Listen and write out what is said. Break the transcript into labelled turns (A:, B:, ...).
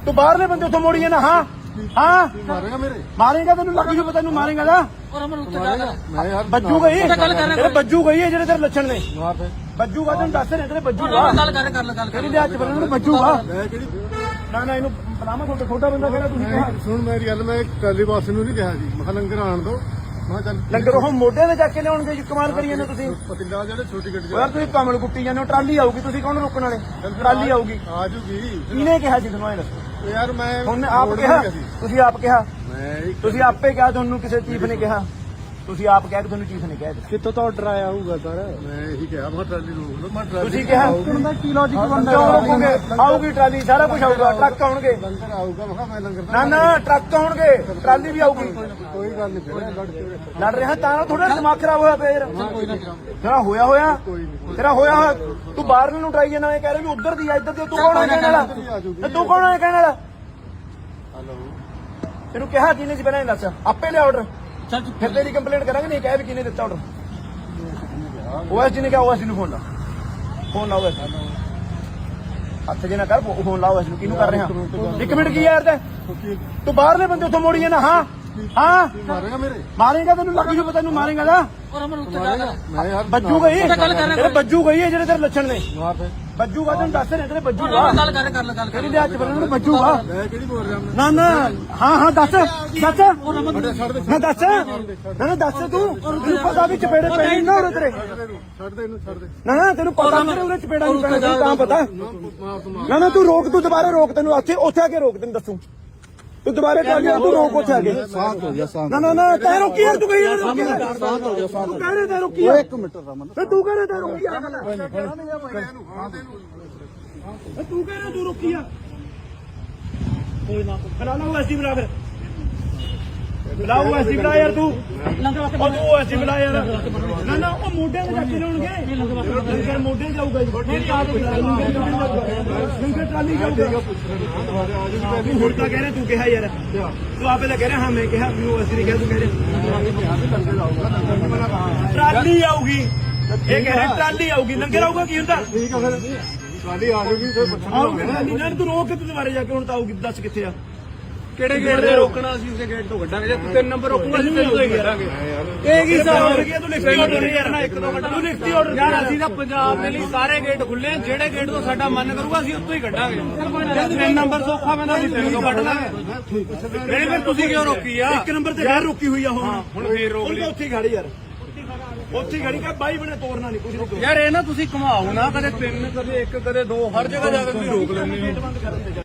A: ਤੂੰ ਬਾਹਰਲੇ ਬੰਦੇ ਉੱਥੋਂ ਮੋੜੀ ਜਾਣਾ। ਹਾਂ ਹਾਂ
B: ਮਾਰੇਗਾ ਮੇਰੇ
A: ਮਾਰੇਗਾ ਤੈਨੂੰ ਲੱਗ ਜੂ ਪਤਾ ਤੈਨੂੰ ਮਾਰੇਗਾ ਨਾ
B: ਮੈਂ ਯਾਰ
A: ਬੱਜੂ ਗਈ ਤੇਰੇ ਬੱਜੂ ਗਈ ਹੈ ਜਿਹੜੇ ਤੇਰੇ ਲੱਛਣ ਨੇ
B: ਮਾਰ ਦੇ
A: ਬੱਜੂਗਾ ਤੈਨੂੰ ਦੱਸ ਰਿਹਾ ਤੇਰੇ ਬੱਜੂਗਾ ਤੇਰੀ ਦੇ ਹੱਥ ਬੰਨਣ ਨੂੰ ਬੱਜੂਗਾ
B: ਮੈਂ ਕਿਹੜੀ
A: ਨਾ ਨਾ ਇਹਨੂੰ ਬਲਾਮਾ ਤੁਹਾਡਾ ਛੋਟਾ ਬੰਦਾ ਕਿਹੜਾ ਤੁਸੀਂ ਕਿਹਾ
B: ਸੁਣ ਮੇਰੀ ਗੱਲ ਮੈਂ ਟਰਾਲੀ ਬਾਸ ਨੂੰ ਨਹੀਂ ਕਿਹਾ ਜੀ ਮੈਂ ਕਿਹਾ ਲੰਗਰ ਆਣ ਦੋ ਮੈਂ ਚੱਲ
A: ਲੰਗਰ ਉਹ ਮੋਢੇ ਤੇ ਜਾ ਕੇ ਲਿਆਉਣਗੇ ਜੀ ਕਮਾਲ ਕਰੀ ਜਾਂਦੇ ਤੁਸੀਂ
B: ਪਤਿੰਦਾ ਜਿਹੜੇ ਛੋਟੀ ਗੱਡੀ
A: ਯਾਰ ਤੁਸੀਂ ਕਮਲ ਕੁੱਟੀ ਜਾਂਦੇ ਹੋ ਟਰਾਲੀ ਆਊਗੀ ਤੁਸੀਂ ਕੌਣ ਰੋਕਣ ਵਾਲੇ ਟਰਾਲੀ ਆਊਗੀ
B: ਆ ਜੂਗੀ
A: ਕਿਹਨੇ ਕਿਹਾ ਸੀ ਤੁਹਾਨੂੰ ਇਹ ਦੱਸੋ
B: ਯਾਰ ਮੈਂ
A: ਹੁਣ ਆਪ ਕਿਹਾ ਤੁਸੀਂ ਆਪ ਕਿਹਾ
B: ਮੈਂ
A: ਤੁਸੀਂ ਆਪੇ ਕਿਹਾ ਤੁਹਾਨੂੰ ਕਿਸੇ ਚੀਫ ਨੇ ਕਿਹਾ ਤੁਸੀਂ ਆਪ ਕਹਿ ਕੇ ਤੁਹਾਨੂੰ ਚੀਫ ਨੇ ਕਿਹਾ
C: ਕਿੱਥੋਂ ਤੋਂ ਆਰਡਰ ਆਇਆ ਹੋਊਗਾ ਸਰ?
B: ਮੈਂ ਇਹੀ ਕਿਹਾ ਮੈਂ ਟਰਾਲੀ ਰੋਕ ਲਓ ਮੈਂ ਟਰਾਲੀ
A: ਤੁਸੀਂ ਕਿਹਾ
C: ਦਾ ਕੀ ਲੌਜੀਕ ਬਣਦਾ?
A: ਕਿਉਂ ਰੋਕੋਗੇ ਆਊਗੀ ਟਰਾਲੀ ਸਾਰਾ ਕੁਝ ਆਊਗਾ ਟਰੱਕ ਆਉਣਗੇ
B: ਲੰਗਰ ਆਊਗਾ ਮੈਂ ਕਿਹਾ ਮੈਂ ਲੰਗਰ
A: ਨਾ ਨਾ ਟਰੱਕ ਆਉਣਗੇ ਟਰਾਲੀ ਵੀ ਆਊਗੀ
B: ਕੋਈ ਗੱਲ ਨਹੀਂ ਫਿਰ ਲੜ ਕੇ
A: ਲੜ ਰਿਹਾ ਤਾਂ ਥੋੜਾ ਦਿਮਾਗ ਖਰਾਬ ਹੋਇਆ ਫੇਰ ਤੇਰਾ ਹੋਇਆ ਤੇਰਾ ਹੋਇਆ ਤੂੰ ਬਾਹਰ ਨੂੰ ਟਰਾਈ ਜਾਣਾ ਇਹ ਕਹਿ ਰਿਹਾ ਵੀ ਉਧਰ ਦੀ ਆ ਇੱਧਰ ਦੀ ਤੂੰ ਕੌਣ ਹੈ ਕਹਿਣ ਵਾਲਾ ਤੇ ਤੂੰ ਕੌਣ ਹੈ ਕਹਿਣ ਵਾਲਾ
B: ਹਲੋ
A: ਤੈਨੂੰ ਕਿਹਾ ਕਿਹਨੇ ਸੀ ਪਹਿਲਾਂ ਇਹ ਦੱਸ ਆਪੇ ਲਿਆ ਆਰਡਰ ਚੱਲ ਫਿਰ ਤੇਰੀ ਕੰਪਲੇਂਟ ਕਰਾਂਗੇ ਨਹੀਂ ਕਹਿ ਵੀ ਕਿਹਨੇ ਦਿੱਤਾ ਆਰਡਰ ਓਐਸਡੀ ਨੇ ਕਿਹਾ ਓਐਸਡੀ ਨੂੰ ਫੋਨ ਲਾਓ ਹੱਥ ਜੇ ਨਾ ਕਰ ਫੋਨ ਲਾਓ ਇਸ ਨੂੰ ਕਿਹਨੂੰ ਕਰ ਰਿਹਾ 1 ਮਿੰਟ ਕੀ ਯਾਰ ਤੂੰ ਬਾਹਰਲੇ ਬੰਦੇ ਉੱਥੋਂ ਮੋੜੀ ਜਾਣਾ। ਹਾਂ ਹਾਂ
B: ਮਾਰੇਗਾ ਮੇਰੇ
A: ਮਾਰੇਗਾ ਤੈਨੂੰ ਲੱਗ ਜੂ ਪਤਾ ਤੈਨੂੰ ਮਾਰੇਗਾ ਨਾ
B: ਮੈਂ ਯਾਰ
A: ਬੱਜੂ ਗਈ ਤੇਰੇ ਬੱਜੂ ਗਈ ਹੈ ਜਿਹੜੇ ਤੇਰੇ ਲੱਛਣ ਨੇ
B: ਮਾਰ ਦੇ
A: ਬੱਜੂਗਾ ਤੈਨੂੰ ਦੱਸ ਰਿਹਾ ਤੇਰੇ ਬੱਜੂਗਾ ਤੇਰੀ ਦੇ ਹੱਥ ਬੰਨਣ ਨੂੰ ਬੱਜੂਗਾ
B: ਮੈਂ ਕਿਹੜੀ ਬੋਲ ਰਿਹਾ
A: ਨਾ ਨਾ ਹਾਂ ਹਾਂ ਦੱਸ
B: ਛੱਡ ਦੇ
A: ਨਾ ਦੱਸ ਨਾ ਦੱਸ ਤੂੰ ਪਤਾ ਵੀ ਚਪੇੜੇ ਪੈਣੇ ਨਾ ਉਰੇ ਤੇਰੇ
B: ਛੱਡ ਦੇ ਇਹਨੂੰ ਛੱਡ ਦੇ
A: ਨਾ ਤੈਨੂੰ ਪਤਾ ਤੇਰੇ ਉਰੇ ਚਪੇੜਾ ਨਹੀਂ ਪੈਣਾ ਤੈਨੂੰ ਤਾਂ ਪਤਾ
B: ਮਾਰ ਤੂੰ ਮਾਰ
A: ਨਾ ਤੂੰ ਰੋਕ ਤੂੰ ਦੁਬਾਰਾ ਰੋਕ ਤੈਨੂੰ ਉੱਥੇ ਆ ਕੇ ਰੋਕ ਤੈਨੂੰ ਦੱਸੂ ਤੂੰ ਦੁਬਾਰਾ ਟਰਾਲੀ ਤੂੰ ਰੋਕ ਉੱਥੇ ਆ ਕੇ
C: ਸ਼ਾਂਤ ਹੋ ਜਾ ਸ਼ਾਂਤ।
A: ਨਾ ਨਾ ਨਾ ਤੈ ਰੋਕੀ ਯਾਰ ਤੂੰ ਕਹੀ ਯਾਰ
C: ਸ਼ਾਂਤ ਹੋ ਜਾ ਸ਼ਾਂਤ।
A: ਤੂੰ ਕਹਿ ਰਿਹਾ ਤੈ ਰੋਕੀ ਯਾਰ
C: 1 ਮਿੰਟ ਰਮਨ।
A: ਤੇ ਤੂੰ ਕਹਿ ਰਿਹਾ ਤੈ ਰੋਕੀ ਆ ਗੱਲ ਤੂੰ ਕਹਿ ਰਿਹਾ ਤੂੰ ਰੋਕੀ ਆ ਕੋਈ ਨਾ ਬੁਲਾ ਲਾ ਐਸੀ ਬੁਲਾ ਫਿਰ ਬੁਲਾਓ ਐਸੀ ਬੁਲਾ ਯਾਰ ਤੂੰ ਉਹ ਐਸੀ ਬੁਲਾ ਯਾਰ ਨਾ ਨਾ ਉਹ ਮੋਢਿਆਂ ਤੇ ਚੱਕ ਲਿਆਉਣਗੇ ਲੰਗਰ ਮੋਢੇ ਜਾਊਗਾ ਜੀ ਲੰਗਰ ਟਰਾਲੀ ਜਾਊਗਾ ਹੁਣ ਤਾਂ ਕਹਿ ਰਿਹਾ ਤੂੰ ਕਿਹਾ ਯਾਰ ਤੂੰ ਆਪੇ ਤਾਂ ਕਹਿ ਰਿਹਾ ਹਾਂ ਮੈਂ ਕਿਹਾ ਮੈਨੂੰ ਅਸੀਂ ਨਹੀਂ ਕਿਹਾ ਤੂੰ ਕਹਿ ਰਿਹਾ ਟਰਾਲੀ ਆਊਗੀ ਇਹ ਕਹਿ ਰਿਹਾ ਟਰਾਲੀ ਆਊਗੀ ਲੰਗਰ ਆਊਗਾ ਕੀ ਹੁੰਦਾ
B: ਠੀਕ ਆ ਫਿਰ ਟਰਾਲੀ ਆ ਜੂਗੀ ਫਿਰ
A: ਆਊਗੀ ਟਰਾਲੀ ਨਾ ਤੂੰ ਰੋਕ ਕੇ ਤੂੰ ਦੁਬਾਰੇ ਜਾ ਕੇ ਹੁਣ ਤਾਂ ਆਊਗੀ ਦੱਸ ਕਿੱਥੇ ਆ
C: ਕਿਹੜੇ ਗੇਟ ਤੇ ਰੋਕਣਾ ਅਸੀਂ ਉਸੇ ਗੇਟ ਤੋਂ ਕੱਢਾਂਗੇ ਜੇ ਤੂੰ 3 ਨੰਬਰ ਰੋਕੂਗਾ ਅਸੀਂ 3 ਤੋਂ ਹੀ ਕੱਢਾਂਗੇ।
A: ਇਹ ਕੀ ਹਿਸਾਬ ਹੋ ਗਿਆ ਤੂੰ ਲਿਖਤੀ ਆਰਡਰ ਯਾਰ ਨਾ 1-2 ਘੰਟੇ ਤੂੰ ਲਿਖਤੀ ਆਰਡਰ
C: ਯਾਰ ਅਸੀਂ ਤਾਂ ਪੰਜਾਬ ਦੇ ਲਈ ਸਾਰੇ ਗੇਟ ਖੁੱਲੇ ਆ, ਜਿਹੜੇ ਗੇਟ ਤੋਂ ਸਾਡਾ ਮਨ ਕਰੂਗਾ ਅਸੀਂ ਉੱਥੋਂ ਹੀ ਕੱਢਾਂਗੇ। ਜੇ 3 ਨੰਬਰ ਸੌਖਾ ਪੈਂਦਾ ਅਸੀਂ 3 ਤੋਂ ਕੱਢ ਲਾਂਗੇ। ਨਹੀਂ ਫਿਰ ਤੁਸੀਂ ਕਿਉਂ ਰੋਕੀ ਆ?
A: 1 ਨੰਬਰ ਤੇ ਗੈਰ ਰੋਕੀ ਹੋਈ ਆ
C: ਹੁਣ ਫੇਰ ਰੋਕ ਲਈ।
A: ਉੱਥੇ ਖੜੀ ਯਾਰ ਉੱਥੇ ਖੜੀ ਕਾ ਬਾਈ ਬਣੇ ਤੋੜਨਾ ਨਹੀਂ ਕੁਝ ਨਹੀਂ
C: ਯਾਰ ਇਹ ਨਾ ਤੁਸੀਂ ਘੁਮਾਓ ਨਾ ਕਦੇ 3 ਕਦੇ 1 ਕਦੇ 2 ਹਰ ਜਗ੍ਹਾ ਜਾ ਕੇ ਤੁਸੀਂ ਰੋਕ ਲੈਂਦੇ ਹੋ।